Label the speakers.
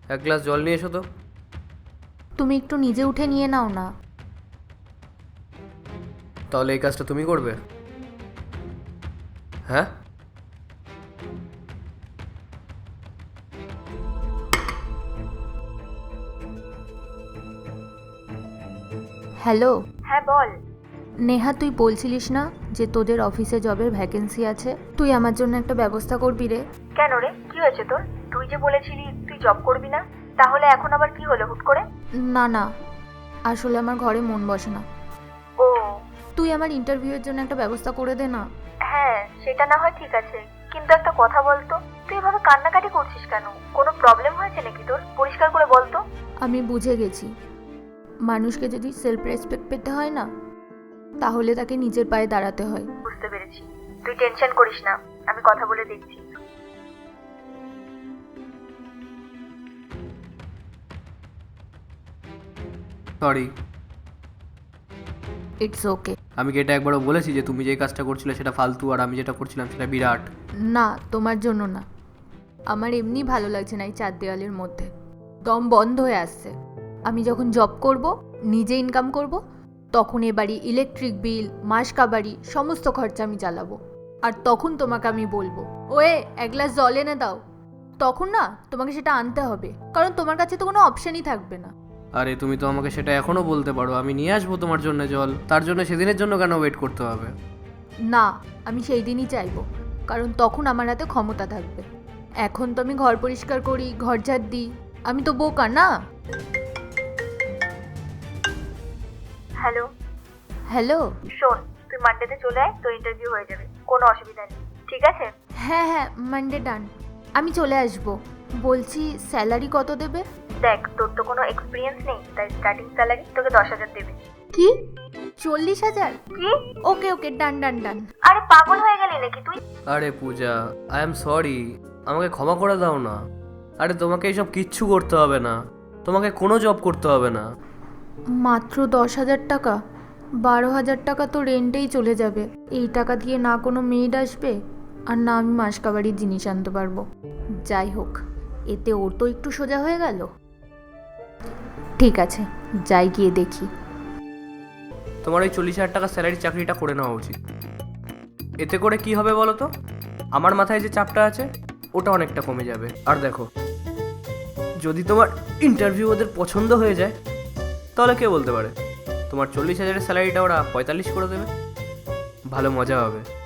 Speaker 1: এক গ্লাস জল নিয়ে এসো তো।
Speaker 2: তুমি একটু নিজে উঠে নিয়ে নাও না।
Speaker 1: তাহলে এই কাজটা তুমি করবে? হ্যাঁ,
Speaker 2: হ্যালো।
Speaker 3: হ্যাঁ বল।
Speaker 2: নেহা, তুই বলছিলিস না যে তোদের অফিসে জবের ভ্যাকেন্সি আছে? তুই আমার জন্য একটা ব্যবস্থা করবি রে?
Speaker 3: কেন রে, কি হয়েছে তোর? তুই যে বলেছিলি তুই জব করবি না, তাহলে এখন আবার কি হলো হুট করে?
Speaker 2: না না, আসলে আমার ঘরে মন বসে না।
Speaker 3: ও
Speaker 2: তুই আমার ইন্টারভিউয়ের জন্য একটা ব্যবস্থা করে দে না।
Speaker 3: হ্যাঁ, সেটা না হয় ঠিক আছে, কিন্তু একটা কথা বলতো, তুই এভাবে কান্নাকাটি করছিস কেন? কোনো প্রবলেম হয়েছে নাকি তোর? পরিষ্কার করে বলতো।
Speaker 2: আমি বুঝে গেছি, মানুষকে যদি সেলফ রেসপেক্ট পেতে হয় না, তাহলে তাকে নিজের পায়ে দাঁড়াতে হয়।
Speaker 3: বুঝতে পেরেছি, তুই টেনশন করিস না, আমি কথা বলে দেখছি।
Speaker 1: সরি।
Speaker 2: It's okay.
Speaker 1: আমি কি এটা একবারও বলেছি যে তুমি যে কাজটা করছিলে সেটা ফালতু আর আমি যেটা করছিলাম সেটা বিরাট?
Speaker 2: না, তোমার জন্য না, আমার এমনি ভালো লাগছে না এই চার দেওয়ালের মধ্যে। দম বন্ধ হয়ে আসছে। আমি যখন জব করব, নিজে ইনকাম করব, তখন এ বাড়ি ইলেকট্রিক বিল, মাস কাবাড়ি সমস্ত খরচা আমি চালাবো। আর তখন তোমাকে আমি বলবো, ওয়ে এক গ্লাস জল এনে দাও। তখন না তোমাকে সেটা আনতে হবে, কারণ তোমার কাছে তো কোনো অপশানই থাকবে না।
Speaker 1: আরে তুমি তো আমাকে সেটা এখনো বলতে পারো, আমি নিয়ে আসবো তোমার জন্য জল। তার জন্য সেদিনের জন্য কেন ওয়েট করতে হবে?
Speaker 2: না, আমি সেই দিনই চাইবো, কারণ তখন আমার হাতে ক্ষমতা থাকবে। এখন তো আমি ঘর পরিষ্কার করি, ঘর ঝাড় দিই, আমি তো বোকা না।
Speaker 3: হ্যালো।
Speaker 2: হ্যালো।
Speaker 3: শোন, তুই মানডেতে চলে আয়, তোর ইন্টারভিউ হয়ে যাবে, কোনো অসুবিধা নেই, ঠিক আছে?
Speaker 2: হ্যাঁ হ্যাঁ, মানডে ডান, আমি চলে আসবো। বলছি স্যালারি কত দেবে?
Speaker 3: দেখ, তোর তো কোনো এক্সপিরিয়েন্স নেই, তাই স্টার্টিং স্যালারি তোকে 10,000 দেবে।
Speaker 2: কি? 40,000?
Speaker 3: কি?
Speaker 2: ওকে ওকে, ডান ডান ডান।
Speaker 3: আরে পাগল হয়ে গেলি নাকি তুই?
Speaker 1: আরে পূজা, আই এম সরি, আমাকে ক্ষমা করে দাও না। আরে তোমাকে এইসব কিচ্ছু করতে হবে না, তোমাকে কোনো জব করতে হবে না।
Speaker 2: মাত্র 10,000 টাকা? 12,000 টাকা তো রেন্টেই চলে যাবে। এই টাকা দিয়ে না কোনো মেড আসবে, আর না আমি মাসকাবাড়ির জিনিস আনতে পারবো। যাই হোক, এতে ওর তো একটু সোজা হয়ে গেল। ঠিক আছে, যাই গিয়ে দেখি।
Speaker 1: তোমার ওই 40,000 টাকা স্যালারি চাকরিটা করে নেওয়া উচিত। এতে করে কি হবে বলো তো? আমার মাথায় যে চাপটা আছে ওটা অনেকটা কমে যাবে। আর দেখো, যদি তোমার ইন্টারভিউ ওদের পছন্দ হয়ে যায়, তাহলে কে বলতে পারে তোমার 40,000-এর স্যালারিটা ওরা 45 করে দেবে। ভালো মজা হবে।